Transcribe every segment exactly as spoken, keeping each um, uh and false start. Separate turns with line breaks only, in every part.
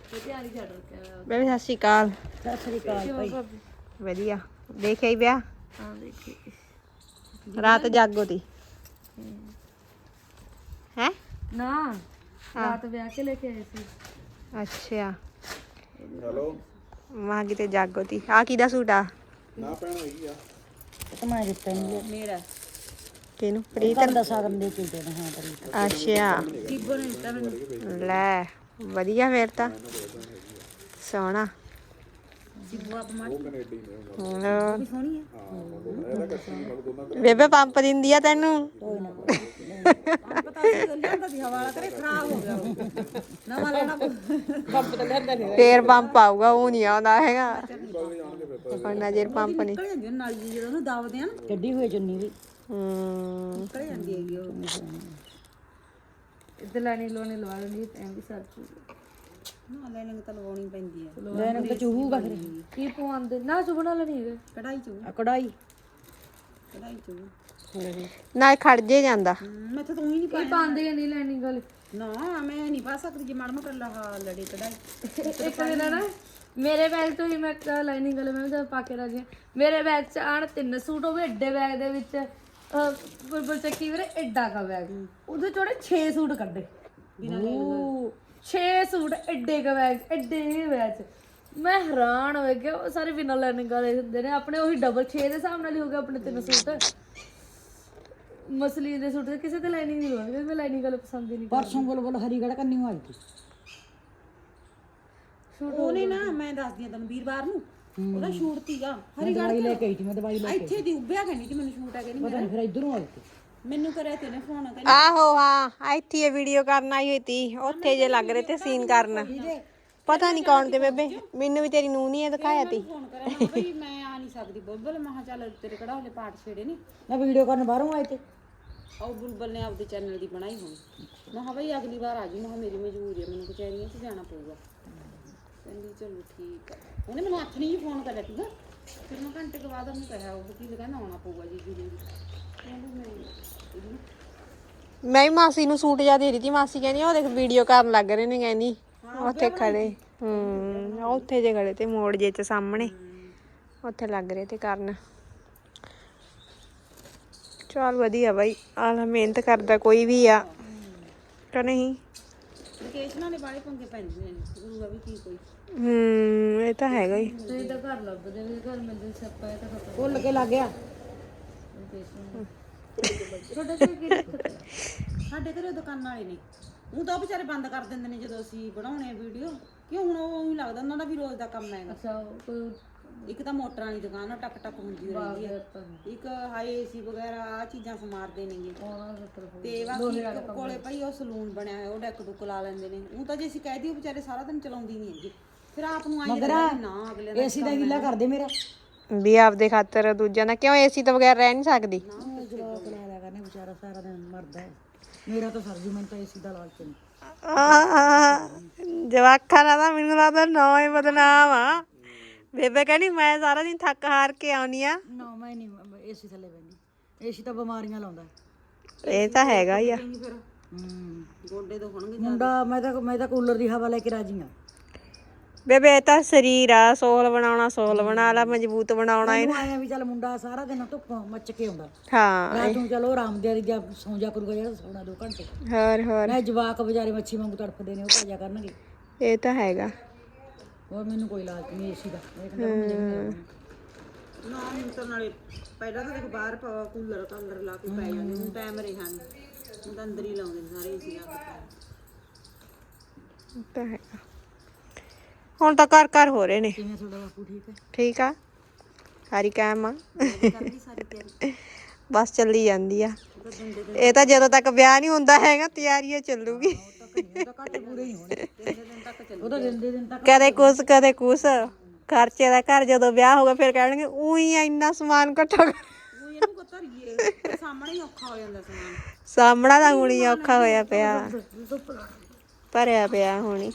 ਬੇਬੇ ਸਤਿ ਸ਼੍ਰੀ ਅਕਾਲ।
ਸਤਿ ਸ੍ਰੀ ਅਕਾਲ ਭਾਈ।
ਵਧੀਆ ਦੇਖਿਆ ਹੀ ਵਿਆਹ?
ਹਾਂ ਦੇਖੀ।
ਰਾਤ ਜਾਗੋ ਤੀ ਹੈ
ਨਾ ਰਾਤ ਵਿਆਹ ਕੇ ਲੈ ਕੇ ਆਏ ਸੀ।
ਅੱਛਾ ਹੈਲੋ ਮਾਂ ਕਿਤੇ ਜਾਗੋ ਤੀ। ਆ ਕਿਹਦਾ ਸੂਟ ਆ?
ਨਾ ਭੈਣ ਹੈਗੀ ਆ
ਮੈਂ ਦਿੱਤਾ ਨਹੀਂ ਮੇਰਾ
ਕਿਹਨੂੰ? ਪ੍ਰੀਤ
ਦਾ ਸਾਗਨ ਦੇ ਕੇ ਦੇਣਾ। ਹਾਂ ਪ੍ਰੀਤ
ਅੱਛਾ
ਜੀਬੋ ਨੇ ਦਿੱਤਾ ਮੈਨੂੰ।
ਲੈ ਵਧੀਆ ਫੇਰ ਤਾਂ ਸੋਹਣਾ।
ਜੀਬੋ ਆਪ ਮਾਰ
ਹੋਰ
ਵੀ ਸੋਹਣੀ ਹੈ।
ਬੇਬੇ ਪੰਪ ਦਿੰਦੀ ਆ ਤੈਨੂੰ?
ਕੋਈ ਨਾ ਪਤਾ ਸੀ ਲਿਆਂਦਾ ਸੀ ਹਵਾਲਾ ਕਰੇ ਖਰਾਬ ਹੋ ਗਿਆ ਨਵਾਂ ਲੈਣਾ ਪੰਪ ਤਾਂ ਲਿਆਂਦਾ ਨਹੀਂ।
ਫੇਰ ਪੰਪ ਆਊਗਾ, ਉਹ ਨਹੀਂ ਆਉਂਦਾ ਹੈਗਾ ਹੁਣ ਨਜ਼ਰ ਪੰਪ ਨਹੀਂ।
ਨਿਕਲ ਜਾਂਦੀ ਉਹ ਨਾਲੀ ਜਦੋਂ ਉਹਨੂੰ ਦਾਵਦੇ ਆ ਨਾ ਕੱਢੀ ਹੋਈ ਚੁੰਨੀ ਵੀ
ਹੂੰ
ਨਿਕਲ ਜਾਂਦੀ ਹੈਗੀ ਉਹ। ਇੱਧਰ ਲੈਣੀ ਲੋਣੀ ਲਵਾ ਲੈਂਦੀ ਐਂ ਵੀ ਸਰ ਚੂਗਾ ਨਾ ਲੈਣੀ ਤਾਂ ਲਵਾਉਣੀ ਪੈਂਦੀ ਹੈ। ਲੈਣੀ ਤਾਂ ਚੂਹੂਗਾ ਫਿਰ ਕੀ ਪਵਾਉਂਦੇ ਨਾ ਚੁਬਣਾ ਲੈਣੀ ਹੈਗਾ ਕਢਾਈ ਚੂ ਕਢਾਈ ਕਢਾਈ ਚੂ
ਨਾ ਖੜ ਜੇ ਜਾਂਦਾ।
ਮੈਂ ਤਾਂ ਤੂੰ ਹੀ ਨਹੀਂ ਪਾਉਂਦੇ ਨਹੀਂ ਲੈਣੀ ਗੱਲ ਨਾ ਮੈਂ ਨਹੀਂ ਪਾ ਸਕਦੀ ਜੇ ਮਾੜਾ ਮੋਟਾ ਲਹਾ ਲੜੇ ਕਢਾਈ। ਇੱਕ ਦਿਨ ਨਾ ਮੇਰੇ ਬੈਗ ਤੋਂ ਹੀ ਮੈਂ ਲਾਈਨਿੰਗ ਵਾਲੇ ਮੈਂ ਜਦ ਪਾ ਕੇ ਰਾਜੀ ਮੇਰੇ ਬੈਗ 'ਚ ਆਣ ਤਿੰਨ ਸੂਟ ਹੋਵੇ ਏਡੇ ਬੈਗ ਦੇ ਵਿੱਚ ਬੁਲਬੁਲ ਚੱਕੀ ਵੀਰੇ ਏਡਾ ਕਾ ਬੈਗ ਉਹਦੇ ਚੋੜੇ ਛੇ ਸੂਟ ਕੱਢੇ ਛੇ ਸੂਟ ਏਡੇ ਕਾ ਬੈਗ ਏਡੇ ਬੈਗ 'ਚ ਮੈਂ ਹੈਰਾਨ ਹੋ ਗਿਆ। ਉਹ ਸਾਰੇ ਬਿਨਾਂ ਲਾਈਨਿੰਗ ਵਾਲੇ ਹੁੰਦੇ ਨੇ ਆਪਣੇ ਉਹੀ ਡਬਲ ਛੇ ਦੇ ਹਿਸਾਬ ਨਾਲ ਹੀ ਹੋ ਗਿਆ ਆਪਣੇ ਤਿੰਨ ਸੂਟ। ਮਸਲੀ ਦੇ ਸੂਟ ਕਿਸੇ ਤੇ ਲਾਈਨਿੰਗ ਨਹੀਂ ਲਵਾਉਂਦੀ ਮੈਂ ਲਾਈਨਿੰਗ ਵਾਲੇ ਪਸੰਦ ਹੀ ਨਹੀਂ। ਪਰਸੋਂ ਬੁਲਬੁਲ ਹਰੀਗੜ੍ਹ ਕੰਨੀ ਆਈ ਸੀ ਸ਼ੂਟ ਉਹਨੇ ਨਾ ਮੈਂ ਦੱਸਦੀ ਆ ਤੈਨੂੰ ਵੀਰਵਾਰ ਨੂੰ ਉਹਦਾ ਸ਼ੂਟ ਤੀਗਾ ਹਰੀਗੜ੍ਹ ਦਵਾਈ ਲੈ ਕੇ ਆਈ ਸੀ ਮੈਂ ਦਵਾਈ ਲੈ ਕੇ ਇੱਥੇ ਦੀ ਉੱਭਿਆ ਕਹਿੰਦੀ ਸੀ ਮੈਨੂੰ ਸ਼ੂਟ ਆ ਕਹਿੰਦੀ ਪਤਾ ਨਹੀਂ ਫਿਰ ਇਧਰੋਂ ਆਈ ਸੀ ਮੈਨੂੰ ਕਰਿਆ ਤੇ ਨੇ ਫੋਨ ਕਹਿੰਦੀ
ਆਹੋ ਹਾਂ ਇੱਥੇ ਇਹ ਵੀਡੀਓ ਕਰਨ ਆਈ ਹੋਈ ਤੀ ਉੱਥੇ ਜੇ ਲੱਗ ਰਹੇ ਤੇ ਸੀਨ ਕਰਨ ਪਤਾ ਨਹੀਂ ਕੌਣ ਤੇ ਬੇਬੇ ਮੈਨੂੰ ਵੀ ਤੇਰੀ ਨੂੰਹ ਨਹੀਂ ਦਿਖਾਇਆ ਤੀ।
ਫੋਨ ਕਰਿਆ ਮੈਂ ਬਈ ਮੈਂ ਆ ਨਹੀਂ ਸਕਦੀ ਬੁਲਬੁਲ ਮੈਂ ਚੱਲ ਤੇਰੇ ਕਿਹੜਾ ਹਲੇ ਪਾਠ ਛੇੜੇ ਨਹੀਂ ਮੈਂ ਵੀਡੀਓ ਕਰਨ ਬਾਹਰੋਂ ਆਏ ਤੇ ਉਹ ਬੁਲਬੁਲ ਨੇ ਆਪਦੇ ਚੈਨਲ ਦੀ ਬਣਾਈ ਹੋਣੀ ਮੈਂ ਕਿਹਾ ਬਈ ਅਗਲੀ ਵਾਰ ਆ ਜੀ ਮੈਂ ਮੇਰੀ ਮਜਬੂਰੀ ਹੈ ਮੈਨੂੰ ਕਚਹਿਰੀਆਂ 'ਚ ਜਾਣਾ ਪਊਗਾ। ਕਹਿੰਦੀ ਚਲੋ ਠੀਕ ਆ। ਉਹਨੇ ਮੈਨੂੰ ਹੱਥ ਨਹੀਂ ਫੋਨ ਕਰਿਆ ਸੀਗਾ ਫਿਰ ਮੈਂ ਘੰਟੇ ਕੁ ਬਾਅਦ ਉਹਨੂੰ ਕਿਹਾ ਉਹ ਕੀ ਕਹਿੰਦਾ ਆਉਣਾ ਪਊਗਾ ਜੀ ਜ਼ਰੂਰ ਕਹਿੰਦੀ ਮੈਂ
ਮੈਂ ਵੀ ਮਾਸੀ ਨੂੰ ਸੂਟ ਜਾ ਦੇ ਰਹੀ ਤੀ ਮਾਸੀ ਕਹਿੰਦੀ ਉਹ ਦੇਖ ਵੀਡੀਓ ਕਰਨ ਲੱਗ ਰਹੇ ਨੇ ਕਹਿੰਦੀ ਉੱਥੇ ਖੜੇ ਹੂੰ ਉੱਥੇ ਜੇ ਖੜੇ ਤੇ ਮੋੜ ਜੇ ਚ ਸਾਹਮਣੇ ਉੱਥੇ ਲੱਗ ਰਹੇ ਤੇ ਕਰਨ। ਚੱਲ ਵਧੀਆ ਬਾਈ ਆਹ ਮਿਹਨਤ ਕਰਦਾ ਕੋਈ ਵੀ ਆ ਕਿ ਨਹੀਂ। ਲੋਕੇਸ਼ਨਾਂ ਦੇ ਬਾਰੇ ਪੰਗੇ ਪੈਂਦੇ ਨੇ ਗੁਰੂਆ ਵੀ ਕੀ ਕੋਈ ਹੂੰ ਇਹ ਤਾਂ ਹੈਗਾ ਹੀ।
ਤੁਸੀਂ ਤਾਂ ਘਰ ਲੱਭਦੇ ਨੇ ਘਰ ਮਿਲਦੇ ਸੱਪਾ ਹੈ ਤਾਂ ਖਤਮ ਭੁੱਲ ਕੇ ਲੱਗ ਗਿਆ। ਤੁਹਾਡੇ ਕੋਲ ਕੀ ਦਿੱਕਤ ਸਾਡੇ ਘਰੇ ਦੁਕਾਨਾਂ ਵਾਲੇ ਨੇ ਉਹ ਤਾਂ ਵਿਚਾਰੇ ਬੰਦ ਕਰ ਦਿੰਦੇ ਨੇ ਜਦੋਂ ਅਸੀਂ ਬਣਾਉਣੇ ਵੀਡੀਓ ਕਿਉਂ ਹੁਣ ਉਹ ਹੀ ਲੱਗਦਾ ਉਹਨਾਂ ਦਾ ਵੀ ਰੋਜ਼ ਦਾ ਕੰਮ ਹੈ। ਅੱਛਾ ਕੋਈ ਇੱਕ ਤਾਂ ਮੋਟਰਾਂ ਵਾਲੀ ਦੁਕਾਨ ਆ ਟਕ ਟਕ ਹੁੰਦੀ ਰਹਿੰਦੀ ਹੈ ਇੱਕ ਹਾਈ ਏਸੀ ਵਗੈਰਾ ਆ ਚੀਜ਼ਾਂ ਸਮਾਰਦੇ ਨੇਗੇ ਤੇ ਬਾਕੀ ਕੋਲੇ ਭਾਈ ਉਹ ਸਲੂਨ ਬਣਿਆ ਹੋਇਆ ਉਹ ਡੈਕ ਡੁੱਕ ਲਾ ਲੈਂਦੇ ਨੇ ਉਹ ਤਾਂ ਜੇ ਅਸੀਂ ਕਹਿ ਦਈਏ ਵਿਚਾਰੇ ਸਾਰਾ ਦਿਨ ਚਲਾਉਂਦੀ ਨਹੀਂ ਹੈਗੀ ਫਿਰ ਆਪ ਨੂੰ ਆਈ ਨਾ ਅਗਲੇ ਦਾ ਏਸੀ ਦਾ ਗਿੱਲਾ ਕਰਦੇ ਮੇਰਾ
ਵੀ ਆਪਦੇ ਖਾਤਰ ਦੂਜਿਆਂ ਦਾ ਕਿਉਂ ਏਸੀ ਤੋਂ ਬਗੈਰ ਰਹਿ ਨਹੀਂ ਸਕਦੀ।
ਜਵਾਕ ਲਾ ਲਿਆ ਕਰਨੇ ਵਿਚਾਰਾ ਸਾਰਾ ਦਿਨ ਮਰਦਾ ਹੈ ਮੇਰਾ ਤਾਂ ਸਰਦੀ ਮੈਨੂੰ ਤਾਂ ਏਸੀ ਦਾ ਲਾਲਚ ਨਹੀਂ।
ਜਵਾਕਾਂ ਦਾ ਤਾਂ ਮੈਨੂੰ ਲੱਗਦਾ ਨਾ ਹੀ ਬਦਨਾਮ ਆ। ਬੇਬੇ ਕਹਿੰਦੀ ਮੈਂ ਸਾਰਾ ਦਿਨ ਥੱਕ ਹਾਰ ਕੇ ਆਉਣੀ ਆ।
ਨਾ ਮੈਂ ਨਹੀਂ ਏਸੀ ਥੱਲੇ ਬੈਠੀ ਏਸੀ ਤਾਂ ਬਿਮਾਰੀਆਂ ਲਾਉਂਦਾ
ਇਹ ਤਾਂ ਹੈਗਾ ਹੀ ਆ।
ਹੂੰ ਗੋਡੇ ਤੋਂ ਹੋਣਗੇ ਮੁੰਡਾ ਮੈਂ ਤਾਂ ਮੈਂ ਤਾਂ ਕੂਲਰ ਦੀ ਹਵਾ ਲੈ ਕੇ ਰਾਜੀ ਆ।
ਬੇਬੇ ਇਹ ਤਾਂ ਸਰੀਰ ਆ ਸੋਲ ਬਣਾਉਣਾ ਸੋਲ ਬਣਾ ਲਾ ਮਜ਼ਬੂਤ ਬਣਾਉਣਾ
ਇਹਨੂੰ ਆਇਆ ਵੀ ਚੱਲ ਮੁੰਡਾ ਸਾਰਾ ਦਿਨ ਧੁੱਪ ਮੱਚ ਕੇ ਆਉਂਦਾ
ਹਾਂ
ਰਾਤ ਨੂੰ ਚਲੋ ਆਰਾਮ ਦੇ ਜਾਂ ਸੌਂ ਜਾ ਕਰੂਗਾ ਜਿਹੜਾ ਸੌਣਾ ਦੋ ਘੰਟੇ
ਹੋਰ ਹੋਰ
ਮੈਂ ਜਵਾਕ ਵਿਚਾਰੇ ਮੱਛੀ ਵਾਂਗੂ ਤੜਫਦੇ ਨੇ ਉਹ ਭਾਜਾ ਕਰਨਗੇ।
ਇਹ ਤਾਂ ਹੈਗਾ
ਹੋਰ ਮੈਨੂੰ ਕੋਈ ਲਾਲਚ ਨਹੀਂ ਏਸੀ ਦਾ ਨਾ ਹੁਣ ਤਾਂ ਨਾਲੇ ਪਹਿਲਾਂ ਤਾਂ ਦੇਖ ਬਾਹਰ ਕੂਲਰ ਤਾਂ ਅੰਦਰ ਲਾ ਕੇ ਪੈ ਜਾਂਦੇ ਹੁਣ ਟਾਈਮ ਰਿਹਾ ਨਹੀਂ ਹੁਣ ਤਾਂ ਅੰਦਰ ਹੀ ਲਾਉਂਦੇ ਨੇ ਸਾਰੇ ਏਸੀ ਲਾ ਕੇ।
ਤਾਂ ਹੈਗਾ ਹੁਣ ਤਾਂ ਘਰ ਘਰ ਹੋ ਰਹੇ ਨੇ।
ਕਿਵੇਂ ਤੁਹਾਡਾ ਬਾਪੂ ਠੀਕ ਹੈ?
ਠੀਕ ਆ ਸਾਰੀ ਕਾਇਮ ਆ
ਕਰਦੀ ਸਾਰੀ ਤਿਆਰੀ
ਬਸ ਚੱਲੀ ਜਾਂਦੀ ਆ। ਇਹ ਤਾਂ ਜਦੋਂ ਤੱਕ ਵਿਆਹ ਨਹੀਂ ਹੁੰਦਾ ਹੈਗਾ ਤਿਆਰੀਆਂ ਚੱਲੂਗੀ। ਕਦੇ ਕੁਛ ਕਦੇ ਕੁਛ ਖਰਚੇ ਦਾ ਘਰ ਜਦੋਂ ਵਿਆਹ ਹੋਗਾ ਫਿਰ ਕਹਿਣਗੇ ਉਹੀ ਇੰਨਾ ਸਮਾਨ ਇਕੱਠਾ ਕਰ
ਸਾਹਮਣੇ ਔਖਾ ਹੋ ਜਾਂਦਾ ਸਮਾਨ
ਸਾਹਮਣਾ ਤਾਂ ਹੁਣ ਹੀ ਔਖਾ ਹੋਇਆ ਪਿਆ ਭਰਿਆ ਪਿਆ ਹੁਣੀ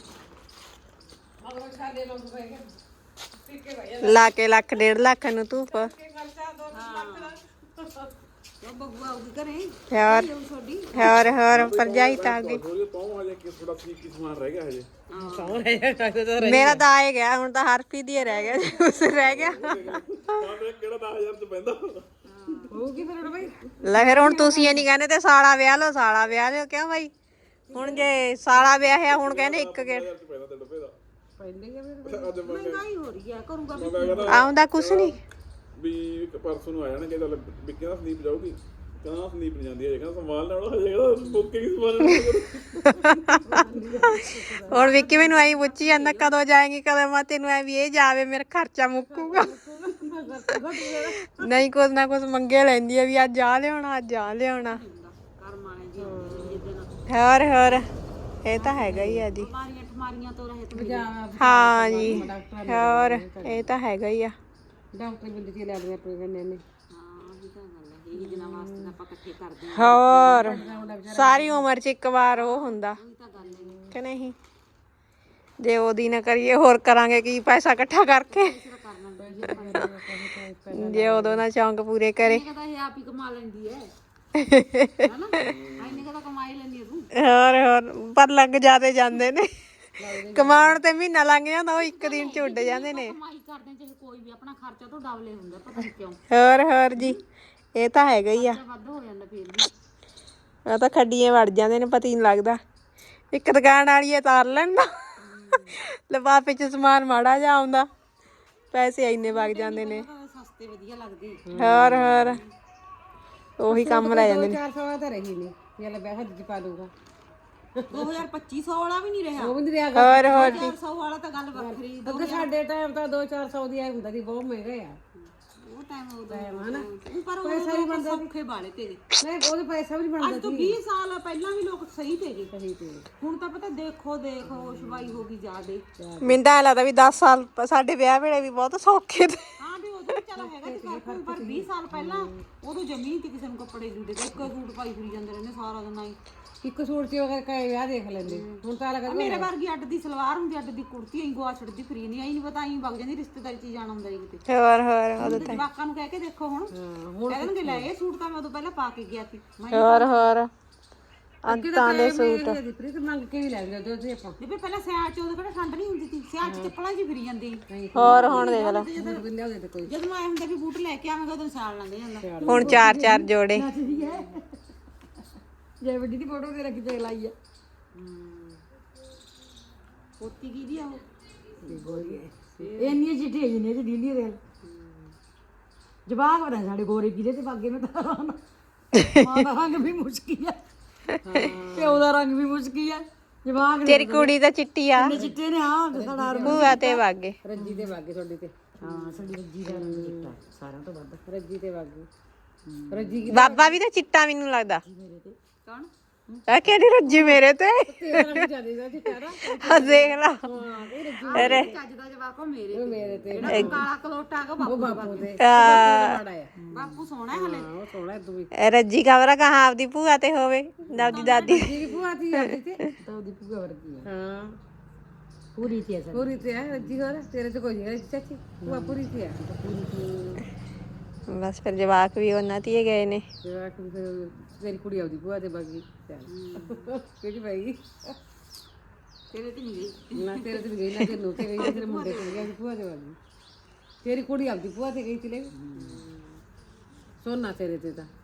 ਲਾ ਕੇ ਲੱਖ ਡੇਢ ਲੱਖ ਨੂੰ ਧੂਪ
ਉਹ ਬਗੂਆ ਆਉਗੀ ਘਰੇ
ਹੋਰ
ਉਹ ਛੋਡੀ
ਹੋਰ ਹੋਰ ਪਰਜਾਈ ਤਾਰਦੀ
ਥੋੜੀ ਪਾਉ ਹਜੇ ਕਿ ਥੋੜਾ ਠੀਕ ਕੀ ਸਮਾਨ ਰਹਿ ਗਿਆ ਹਜੇ
ਮੇਰਾ ਤਾਂ ਆਏ ਗਿਆ ਹੁਣ ਤਾਂ ਹਰਪ੍ਰੀਤ ਹੀ ਰਹਿ ਗਿਆ ਉਸ ਰਹਿ ਗਿਆ
ਤਾਂ ਕਿਹੜਾ ਦਸ ਹਜ਼ਾਰ ਚ ਪੈਂਦਾ
ਹੋਊਗੀ ਫਿਰ ਬਈ
ਲੈ ਫਿਰ ਹੁਣ ਤੁਸੀਂ ਇਹ ਨਹੀਂ ਕਹਿੰਦੇ ਤੇ ਸਾਲਾ ਵਿਆਹ ਲਓ ਸਾਲਾ ਵਿਆਹ ਲਿਓ ਕਿਉਂ ਬਾਈ ਹੁਣ ਜੇ ਸਾਲਾ ਵਿਆਹਿਆ ਹੁਣ ਕਹਿੰਦੇ ਇੱਕ ਗੇੜ
ਹਜ਼ਾਰ ਚ ਪੈਂਦਾ ਤੇ ਡੱਬੇ ਦਾ
ਪੈਂਦੇ ਆ
ਅੱਜ ਮੈਂ
ਮਹਿੰਗਾਈ ਹੋ ਰਹੀ ਆ ਕਰੂਗਾ ਵੀ
ਕਹਿੰਦਾ
ਆਉਂਦਾ ਕੁਛ ਨਹੀਂ
ਵੀ ਇੱਕ ਪਰਸੋਂ ਨੂੰ ਆ ਜਾਣਗੇ ਚੱਲ ਵਿੱਕੀ ਦਾ ਸੰਦੀਪ ਜਾਊਗੀ ਕਹਿੰਦਾ ਸੰਦੀਪ ਨਹੀਂ ਜਾਂਦੀ ਹੈ ਕਹਿੰਦਾ ਸੰਭਾਲ ਲੈਣਾ ਹਜੇ ਕਹਿੰਦਾ ਬੁਕਿੰਗ ਸੰਭਾਲ
ਹੁਣ ਵਿੱਕੀ ਮੈਨੂੰ ਐਂ ਪੁੱਛੀ ਜਾਂਦਾ ਕਦੋਂ ਜਾਏਗੀ ਕਦੋਂ ਮੈਂ ਤੈਨੂੰ ਐ ਵੀ ਇਹ ਜਾਵੇ ਮੇਰਾ ਖਰਚਾ ਮੁੱਕੂਗਾ ਨਹੀਂ ਕੁਝ ਨਾ ਕੁਝ ਮੰਗੇ ਲੈਂਦੀ ਆ ਵੀ ਅੱਜ ਆ ਲਿਆਉਣਾ ਅੱਜ ਆ ਲਿਆਉਣਾ
ਕਰਮ ਆਣੇ ਜੀ ਜਿੱਦਣ
ਹੋਰ ਹੋਰ ਇਹ ਤਾਂ ਹੈਗਾ ਹੀ ਆ ਜੀ
ਬਿਮਾਰੀਆਂ ਠਮਾਰੀਆਂ ਤੋਂ ਰਹਿਤ ਮਿਲੇ
ਹਾਂ ਜੀ ਹੋਰ ਇਹ ਤਾਂ ਹੈਗਾ ਹੀ ਆ
ਡਾਕਟਰ ਬੰਦੇ ਤੇ ਲੈ ਲਿਆ ਆਪਣੇ ਕੰਨੇ ਨੇ ਹਾਂ ਇਹ ਤਾਂ ਗੱਲ ਹੈ ਇਹੀ ਦਿਨਾਂ ਵਾਸਤੇ ਤਾਂ ਆਪਾਂ ਇਕੱਠੇ ਕਰਦੇ ਹਾਂ
ਹੋਰ ਸਾਰੀ ਉਮਰ ਚ ਇੱਕ ਵਾਰ ਉਹ ਹੁੰਦਾ
ਇਹ ਤਾਂ ਗੱਲ ਹੈ
ਕਿ ਨਹੀਂ ਜੇ ਉਹਦੀ ਨਾ ਕਰੀਏ ਹੋਰ ਕਰਾਂਗੇ ਕੀ ਪੈਸਾ ਇਕੱਠਾ ਕਰਕੇ ਜੇ ਉਦੋਂ ਨਾ ਚੌਂਕ ਪੂਰੇ ਕਰੇ
ਕਦਾ ਇਹ ਆਪ ਹੀ ਕਮਾ ਲੈਂਦੀ ਹੈ ਹੈਨਾ ਆਈਨੇ ਕਦਾ ਕਮਾਈ ਲੈਂਦੀ ਹੈ ਤੂੰ
ਹੋਰ ਹੋਰ ਪਰ ਲੱਗ ਜਾਦੇ ਜਾਂਦੇ ਨੇ ਕਮਾਉਣ ਤੇ ਮਹੀਨਾ ਲੰਘ ਜਾਂਦਾ ਉਹ ਇੱਕ ਦਿਨ ਚ ਉੱਡ ਜਾਂਦੇ ਨੇ
ਕਮਾਈ ਕਰਦੇ ਚਾਹੇ ਕੋਈ ਵੀ ਆਪਣਾ ਖਰਚਾ ਤੋਂ ਡਬਲੇ ਹੁੰਦਾ ਪਤਾ ਨਹੀਂ ਕਿਉਂ
ਹੋਰ ਹੋਰ ਜੀ ਇਹ ਤਾਂ ਹੈਗਾ ਹੀ ਆ
ਵੱਧ ਹੋ ਜਾਂਦਾ ਫਿਰ ਵੀ
ਉਹ ਤਾਂ ਖੱਡੀਆਂ ਵੜ ਜਾਂਦੇ ਨੇ ਪਤਾ ਹੀ ਨਹੀਂ ਲੱਗਦਾ ਇੱਕ ਦੁਕਾਨ ਵਾਲੀ ਤਾਰ ਲੈਣ ਨਾ ਲਿਫਾਫੇ ਚ ਸਮਾਨ ਮਾੜਾ ਜਿਹਾ ਆਉਂਦਾ ਪੈਸੇ ਇੰਨੇ ਵਗ ਜਾਂਦੇ ਨੇ
ਸਸਤੇ ਵਧੀਆ ਲੱਗਦੇ
ਹੋਰ ਹੋਰ ਉਹੀ ਕੰਮ ਲੈ ਜਾਂਦੇ ਨੇ
ਚਾਰ ਸੌ ਤਾਂ ਰਹੀ ਨਹੀਂ ਇਹ ਲੈ ਬਹਿ ਹੱਥ ਚ ਪਾ ਲੂਗਾ ਦੋ ਹਜ਼ਾਰ ਪੱਚੀ ਸੌ ਵਾਲਾ ਵੀ ਨਹੀਂ ਰਿਹਾ ਉਹ ਵੀ ਨਹੀਂ ਰਿਹਾ
ਹੋਰ ਹੋਰ ਜੀ
ਚਾਰ ਸੌ ਵਾਲਾ ਤਾਂ ਗੱਲ ਵੱਖਰੀ
ਅੱਗੇ ਸਾਡੇ ਟਾਈਮ ਤਾਂ ਦੋ ਚਾਰ ਸੌ ਦੀ ਆਈ ਹੁੰਦਾ ਸੀ ਬਹੁਤ ਮਹਿੰਗਾ ਆ
ਉਹ ਟਾਈਮ ਉਹਦਾ ਹਨਾ ਪਰ ਉਹ ਪੈਸੇ ਬੰਦੇ ਸੌਖੇ ਵਾਲੇ ਤੇਰੇ
ਨਹੀਂ ਉਹਦੇ ਪੈਸਾ ਵੀ ਨਹੀਂ ਬਣਦਾ
ਅੱਜ ਤੋਂ ਵੀਹ ਸਾਲ ਪਹਿਲਾਂ ਵੀ ਲੋਕ ਸਹੀ ਤੇਗੇ ਸਹੀ ਤੇ ਹੁਣ ਤਾਂ ਪਤਾ ਦੇਖੋ ਦੇਖੋ ਸ਼ਵਾਈ ਹੋ ਗਈ ਜ਼ਿਆਦੇ
ਮੈਨੂੰ ਤਾਂ ਐਂ ਲੱਗਦਾ ਵੀ ਦਸ ਸਾਲ ਪ- ਸਾਡੇ ਵਿਆਹ ਵੇਲੇ ਵੀ ਬਹੁਤ ਸੌਖੇ ਤੇ
ਹਾਂ ਵੀ ਉਦੋਂ ਵੀ ਚੱਲ ਹੈਗਾ ਸੀ ਫਰਕ ਪਰ ਵੀਹ ਸਾਲ ਪਹਿਲਾਂ ਉਦੋਂ ਜ਼ਮੀਨ ਤੇ ਕਿਸੇ ਨੂੰ ਕੱਪੜੇ ਜੂੜੇ ਤੇ ਇੱਕੋ ਸੂਟ ਪਾਈ ਫਿਰੀ ਜਾਂਦੇ ਰਹਿੰਦੇ ਸਾਰਾ ਦਿਨ ਆਈ
ਇੱਕ ਸੂਟ ਚ ਅਗਰ ਕਹੇ ਵਿਆਹ ਦੇਖ ਲੈਂਦੇ ਹੁਣ ਤਾਂ ਲੱਗਾ
ਮੇਰੇ ਵਰਗੀ ਅੱਡ ਦੀ ਸਲਵਾਰ ਹੁੰਦੀ ਅੱਡ ਦੀ ਕੁੜਤੀ ਐਂ ਗੋਆ ਛੱਡਦੀ ਫਰੀ ਨਹੀਂ ਆਈ ਨਹੀਂ ਪਤਾ ਐਂ ਵਗ ਜਾਂਦੀ ਰਿਸ਼ਤੇਦਾਰੀ ਚ ਜਾਣਾ ਹੁੰਦਾ ਜੀ ਕਿਤੇ
ਹੋਰ ਹੋਰ ਉਦੋਂ ਤਾਂ
ਜਵਾਕਾਂ ਨੂੰ ਕਹਿ ਕੇ ਦੇਖੋ ਹੁਣ ਕਹਿ ਦੇਣਗੇ ਲੈ ਇਹ ਸੂਟ ਤਾਂ ਮੈਂ ਉਦੋਂ ਪਹਿਲਾਂ ਪਾ ਕੇ ਗਿਆ ਸੀ ਮੈਂ
ਹੋਰ ਹੋਰ ਅੰਤਾਂ ਦੇ ਸੂਟ
ਦੀ ਪ੍ਰੀਤ ਮੰਗ ਕੇ ਵੀ ਲੈ ਜਾਂਦੇ ਉਹਦੇ ਆਪਾਂ
ਜਿਵੇਂ ਪਹਿਲਾਂ ਸਿਆਲ ਚ ਉਦੋਂ ਕਿਹੜਾ ਠੰਡ ਨਹੀਂ ਹੁੰਦੀ ਸੀ ਸਿਆਲ ਚ ਚੱਪਲਾਂ 'ਚ ਹੀ ਫਿਰੀ ਜਾਂਦੀ ਸੀ।
ਹੋਰ ਹੁਣ ਦੇਖ ਲੈ
ਲਿਆਉਂਦੇ ਤੇ ਕੋਈ
ਜਦੋਂ ਆਏ ਹੁੰਦੇ ਵੀ ਬੂਟ ਲੈ ਕੇ ਆਵਾਂਗਾ ਉਦੋਂ ਸਿਆਲ ਲੰਘ ਜਾਂਦਾ
ਹੁਣ ਚਾਰ ਚਾਰ ਜੋੜੇ
ਜੇ ਵੱਡੀ ਦੀ ਫੋਟੋ ਤੇ ਰੱਖ ਕੇ ਲਾਈ ਆ
ਪੋਤੀ ਕੀ ਦੀ ਆ ਉਹ
ਇੰਨੀਆਂ ਚਿੱਠੀਆਂ ਜਿੰਨੇ ਚ ਦੀਦੀ ਦੇ ਜਵਾਕ ਬਣਾ ਸਾਡੇ ਗੋਰੇ ਕਿਦੇ ਤੇ ਬਾਗੇ ਮੈਂ ਤਾਂ ਮਾਂ ਦਾ ਰੰਗ ਵੀ ਮੁਸ਼ਕੀ ਆ ਤੇ ਉਹਦਾ ਰੰਗ ਵੀ ਮੁਸ਼ਕੀ ਆ ਜਵਾਕ
ਤੇਰੀ ਕੁੜੀ ਤਾਂ ਚਿੱਟੀ ਆ
ਚਿੱਟੇ ਨੇ ਹਾਂ ਸਾਡਾ
ਭੂਆ ਤੇ ਵਾਗੇ
ਰੱਜੀ ਤੇ ਵਾਗੇ ਤੁਹਾਡੇ ਤੇ ਹਾਂ ਸਾਡੀ ਰੱਜੀ ਦਾ ਰੰਗ ਚਿੱਟਾ ਸਾਰਿਆਂ ਤੋਂ ਵੱਧ ਰੱਜੀ ਤੇ ਵਾਗੇ ਰੱਜੀ
ਬਾਬਾ ਵੀ ਤਾਂ ਚਿੱਟਾ ਮੈਨੂੰ ਲੱਗਦਾ
ਕੌਣ
ਆ ਕਿਹੜੀ ਰੱਜੀ ਮੇਰੇ ਤੇ
ਤੇਰਾ ਰੰਗ ਚੱਲਦਾ ਚਿੱਟਾ ਨਾ
ਆ ਦੇਖ ਲਾ ਅਰੇ
ਚੱਜ ਦਾ ਜਵਾਕ ਉਹ ਮੇਰੇ
ਮੇਰੇ ਤੇ
ਜਿਹੜਾ ਕਾਲਾ ਕਲੋਟਾ ਕੋ ਬਾਪੂ ਦਾ
ਬਾਪੂ ਤੇ
ਆ,
ਮਾੜਾ ਆ
ਬਾਪੂ ਸੋਹਣਾ ਹੈ ਹਲੇ
ਉਹ ਸੋਹਣਾ ਤੂੰ ਵੀ
ਰੱਜੀ ਖਬਰ ਕਹਾਂ ਆਪਦੀ ਭੂਆ ਤੇ ਹੋਵੇ ਦਾਦੀ ਦਾਦੀ
ਤੇਰੀ ਭੂਆ ਦੀ ਆਦੀ ਤੇ ਤਾਂ ਉਹਦੀ ਭੂਆ ਵਰਗੀ ਆ ਹਾਂ ਪੂਰੀ ਤੇ ਆ ਪੂਰੀ ਤੇ ਆ ਰੱਜੀ ਹੋਰ ਤੇਰੇ ਤੇ ਕੋਈ ਨਹੀਂ ਚਾਚੀ ਭੂਆ ਪੂਰੀ ਤੇ ਆ ਪੂਰੀ ਤੇ
ਬਸ ਫਿਰ ਜਵਾਕ ਵੀ ਉਹਨਾਂ ਤੇ ਹੀ ਗਏ ਨੇ
ਜਵਾਕ ਵੀ ਫਿਰ ਤੇਰੀ ਕੁੜੀ ਆਉਦੀ ਭੂਆ ਤੇ ਬਾਗੀ ਚੱਲ ਕਿਹੜੀ ਬਾਈ
ਤੇਰੇ ਤੇ ਨਹੀਂ ਗਈ
ਨਾ ਤੇਰੇ ਤੇ ਵੀ ਗਈ ਨਾ ਤੈਨੂੰ ਤੇ ਗਈ ਤੇਰੇ ਮੁੰਡੇ ਤੇ ਗਈ ਭੂਆ ਤੇ ਬਾਗੀ ਤੇਰੀ ਕੁੜੀ ਆਉਦੀ ਭੂਆ ਤੇ ਗਈ ਤੇ ਸੋਨਾ ਤੇਰੇ ਤੇ ਤਾਂ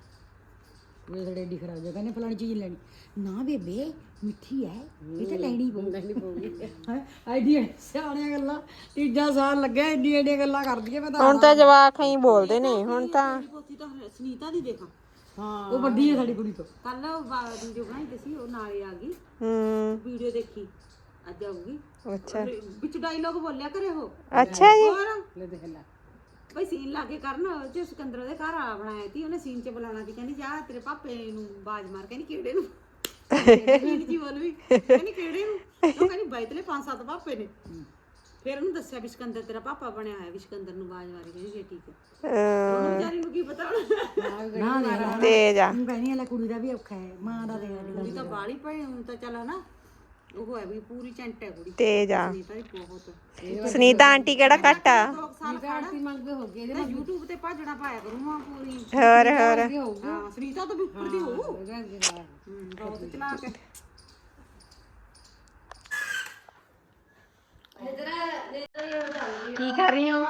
ਇਹ ਸਾਡੇ ਏਡੀ ਖਰਾਬ ਜਗ੍ਹਾ ਨੇ ਫਲਾਣੀ ਚੀਜ਼ ਲੈਣੀ ਨਾ ਬੇਬੇ ਮਿੱਠੀ ਹੈ ਇਹ ਤਾਂ ਲੈਣੀ ਪਊ
ਨਹੀਂ ਪਊਗੀ
ਆਈਡੀਆ ਸਿਆਣੀਆਂ ਗੱਲਾਂ ਤੀਜਾ ਸਾਲ ਲੱਗਿਆ ਇੰਨੀ ਏਡੀਆਂ ਗੱਲਾਂ ਕਰਦੀ ਮੈਂ ਤਾਂ
ਹੁਣ ਤਾਂ ਜਵਾਕ ਹੀ ਬੋਲਦੇ ਨੇ ਹੁਣ ਤਾਂ
ਪੋਤੀ ਤਾਂ ਸੁਨੀਤਾ ਦੀ ਦੇਖਾ
ਹਾਂ ਉਹ ਵੱਡੀ ਹੈ ਸਾਡੀ ਕੁੜੀ ਤੋਂ
ਕੱਲ ਵੀਡੀਓ ਬਣਾਈ ਤੇ ਸੀ ਉਹ ਨਾਲੇ ਆ ਗਈ
ਹੂੰ
ਵੀਡੀਓ ਦੇਖੀ ਅੱਜ ਆਊਗੀ
ਅੱਛਾ
ਵਿੱਚ ਡਾਇਲੋਗ ਬੋਲਿਆ ਕਰੇ ਉਹ
ਅੱਛਾ ਜੀ
ਹੋਰ
ਲੈ ਦੇਖ ਲੈ
ਬਈ ਸੀਨ ਲਾ ਕੇ ਕਰਨ ਜੇ ਸਿਕੰਦਰ ਦੇ ਘਰ ਆ ਬਣਾਇਆ ਸੀ ਉਹਨੇ ਸੀਨ 'ਚ ਬੁਲਾਉਣਾ ਸੀ ਕਹਿੰਦੀ ਜਾ ਤੇਰੇ ਪਾਪੇ ਨੂੰ ਬਾਜ਼ ਮਾਰ ਕਹਿੰਦੀ ਕਿਹੜੇ ਨੂੰ ਸੀਨ ਜੀ ਬੋਲ ਵੀ ਕਹਿੰਦੀ ਕਿਹੜੇ ਨੂੰ ਉਹ ਕਹਿੰਦੀ ਬਾਈਤਲੇ ਪੰਜ ਸੱਤ ਪਾਪੇ ਨੇ ਫਿਰ ਉਹਨੂੰ ਦੱਸਿਆ ਵੀ ਸਿਕੰਦਰ ਤੇਰਾ ਪਾਪਾ ਬਣਿਆ ਹੋਇਆ ਵੀ ਸਿਕੰਦਰ ਨੂੰ ਬਾਜ਼ ਮਾਰੀ ਕਹਿੰਦੀ ਜੇ ਠੀਕ ਹੈ ਉਹਨੂੰ ਵਿਚਾਰੀ ਨੂੰ ਕੀ ਪਤਾ ਹੁਣ
ਨਾ ਦੇਖ ਲੈ
ਤੇਜ ਆ
ਤੂੰ ਕਹਿੰਦੀ ਲੈ ਕੁੜੀ ਦਾ ਵੀ ਔਖਾ ਹੈ ਮਾਂ ਦਾ ਦੇਖ ਲੈ
ਕੁੜੀ ਤਾਂ ਬਾਲੀ ਪਈ ਹੁਣ ਤਾਂ ਚੱਲ ਹਨਾ ਉਹ ਹੈ ਵੀ ਪੂਰੀ ਚੈਂਟ ਹੈ ਕੁੜੀ
ਤੇਜ ਆ
ਸੁਨੀਤਾ ਦੀ ਬਹੁਤ
ਸੁਨੀਤਾ ਆਂਟੀ ਕਿਹੜਾ ਘੱਟ ਆ
ਦੋ ਸਾਲ
ਆਰਤੀ ਮੰਗਦੇ ਹੋ ਗਏ
ਇਹਦੇ YouTube ਤੇ ਭਾਜਣਾ ਪਾਇਆ ਕਰੂੰਗਾ ਪੂਰੀ
ਹੋਰ ਹੋਰ
ਹਾਂ ਸੁਨੀਤਾ ਤਾਂ ਵੀ ਉੱਪਰ ਦੀ ਹੋਊ ਹੂੰ ਬਹੁਤ ਚਲਾ ਕੇ
ਕੀ ਕਰ ਰਹੀ ਹੋ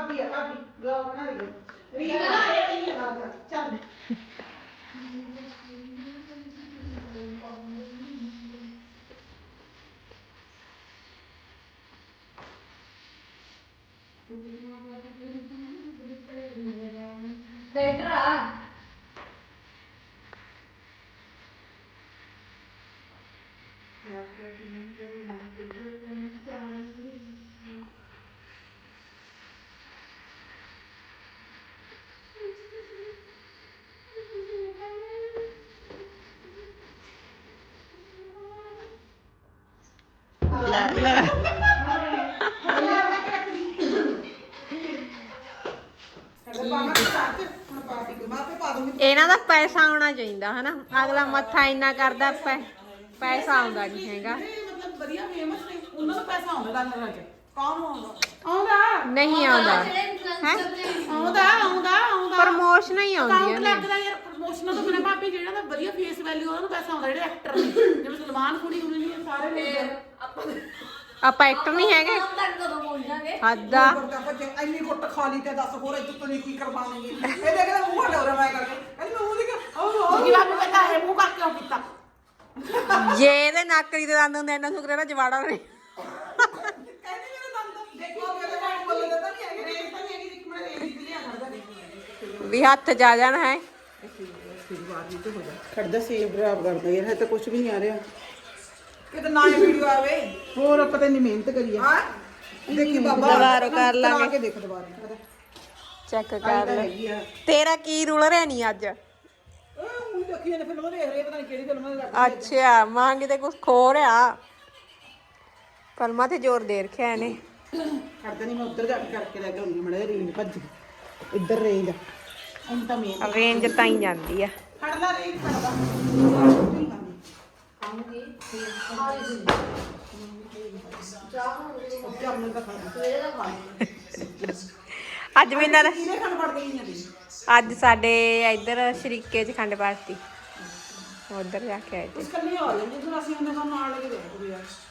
ਇਹਨਾਂ ਦਾ ਪੈਸਾ ਆਉਣਾ ਚਾਹੀਦਾ ਹਨਾ ਅਗਲਾ ਮੱਥਾ ਇੰਨਾ ਕਰਦਾ ਪੈ ਪੈਸਾ ਆਉਂਦਾ ਨਹੀਂ ਹੈਗਾ
ਮਤਲਬ ਵਧੀਆ ਫੇਮਸ ਨੇ ਉਹਨਾਂ ਨੂੰ ਪੈਸਾ ਆਉਂਦਾ ਡਾਲਰਾਂ ਚ ਕੌਣ ਆਉਂਦਾ ਆਉਂਦਾ
ਨਹੀਂ ਆਉਂਦਾ ਹੈ
ਆਉਂਦਾ ਆਉਂਦਾ ਆਉਂਦਾ
ਪ੍ਰਮੋਸ਼ਨ ਹੀ ਆਉਂਦੀਆਂ ਨੇ
ਲੱਗਦਾ ਯਾਰ ਪ੍ਰਮੋਸ਼ਨਾਂ ਤੋਂ ਬਿਨਾਂ ਭਾਬੀ ਜਿਹੜਾ ਦਾ ਵਧੀਆ ਫੇਸ ਵੈਲਿਊ ਉਹਨਾਂ ਨੂੰ ਪੈਸਾ ਆਉਂਦਾ ਜਿਹੜੇ ਐਕਟਰ ਨੇ ਜਿਵੇਂ ਸਲਮਾਨ ਕੁੜੀ ਹੁੰਦੇ ਨੇ ਸਾਰੇ ਨੇ
ਆਪਾਂ ਐਕਟਰ ਨਹੀਂ ਹੈਗੇ ਹੱਦਾ
ਇੰਨੀ ਗੁੱਟ ਖਾ ਲਈ ਤੇ ਦੱਸ ਹੋਰ ਇੱਥੇ ਤੁਸੀਂ ਕੀ ਕਰਵਾਵਾਂਗੇ ਇਹ ਦੇਖਦਾ ਮੂੰਹ ਹਟਾਉਰਾ ਮੈਂ ਕਰਕੇ ਕਹਿੰਦੀ ਮੈਂ ਮੂੰਹ ਦੇਖ ਉਹ ਕੀ ਬਾਬੂ ਕਹਿੰਦਾ ਹੈ ਮੂੰਹ ਕਰਕੇ ਕਿਉਂ ਕੀਤਾ
ਜੇ ਇਹਦੇ ਨੱਕਰੀ ਦੇ ਦੰਦ ਹੁੰਦੇ ਇੰਨਾ ਸ਼ੁਕਰ ਹੈ ਨਾ ਜਵਾੜਾ ਨਹੀਂ
ਕਹਿੰਦੀ ਮੇਰੇ ਦੰਦ ਦੇਖੋ ਮੇਰੇ ਬਾਤ ਬੋਲ ਦਿੰਦਾ ਨਹੀਂ ਹੈਗੇ ਰੇਸ ਤਾਂ ਨਹੀਂ ਹੈਗੀ ਇੱਕ ਮਿੰਟ ਰੇਸ ਦੀ ਲਿਆ ਖੜਦਾ
ਵੀ ਹੱਥ ਜਾ ਜਾਣਾ ਹੈ
ਖੜਦਾ ਸੇਵ ਡਰਾਪ ਕਰਦਾ ਯਾਰ ਹੈ ਤਾਂ ਕੁਝ ਵੀ ਨਹੀਂ ਆ ਰਿਹਾ ਕਿਤੇ ਨਾ ਇਹ ਵੀਡੀਓ ਆਵੇ ਹੋਰ ਆਪਾਂ ਤਾਂ ਇੰਨੀ ਮਿਹਨਤ ਕਰੀ ਆ ਹਾਂ ਦੇਖੀ ਬਾਬਾ
ਦੁਬਾਰਾ ਕਰ ਲਾਂਗੇ
ਕੇ ਦੇਖ ਦੁਬਾਰਾ
ਚੈੱਕ ਕਰ ਲੈ ਤੇਰਾ ਕੀ ਰੂਲ ਰਿਹਾ ਨਹੀਂ ਅੱਜ
ਉਹ ਦੇਖੀ ਨੇ ਫਿਲਮ ਦੇਖ ਰਹੇ ਪਤਾ ਨਹੀਂ ਕਿਹੜੀ ਫਿਲਮ ਦੇ
ਅੱਛਾ ਮਾਂ ਕਿਤੇ ਕੁਝ ਖੋ ਰਿਹਾ ਫਿਲਮਾਂ ਤੇ ਜ਼ੋਰ ਦੇ ਰੱਖਿਆ ਇਹਨੇ
ਖੜਦਾ ਨਹੀਂ ਮੈਂ ਉੱਧਰ ਜਾ ਕੇ ਕਰਕੇ ਲੈ ਕੇ ਆਉਂਦੀ ਮੜੇ ਰੇਂਜ ਭੱਜ ਇੱਧਰ ਰੇਂਜ ਹੁਣ ਤਾਂ ਮੇਨ
ਰੇਂਜ ਤਾਂ ਹੀ ਜਾਂਦੀ ਆ
ਖੜਦਾ ਰੇਂਜ ਖੜਦਾ
ਅੱਜ ਵੀ ਇਹਨਾਂ ਦਾ
ਕਿਹਨੇ ਖੰਡ ਪੜ ਗਈ ਨਹੀਂ
ਅੱਜ ਸਾਡੇ ਇੱਧਰ ਸ਼ਰੀਕੇ ਚ ਖੰਡ ਪਾਤੀ ਉਧਰ ਜਾ ਕੇ ਆਏ ਤੇ
ਇਸ ਕੱਲੀ ਆ ਜਾਂਦੀ ਫਿਰ ਅਸੀਂ ਉਹਨਾਂ ਨਾਲ ਲੈ ਕੇ ਦੇਖਦੇ ਯਾਰ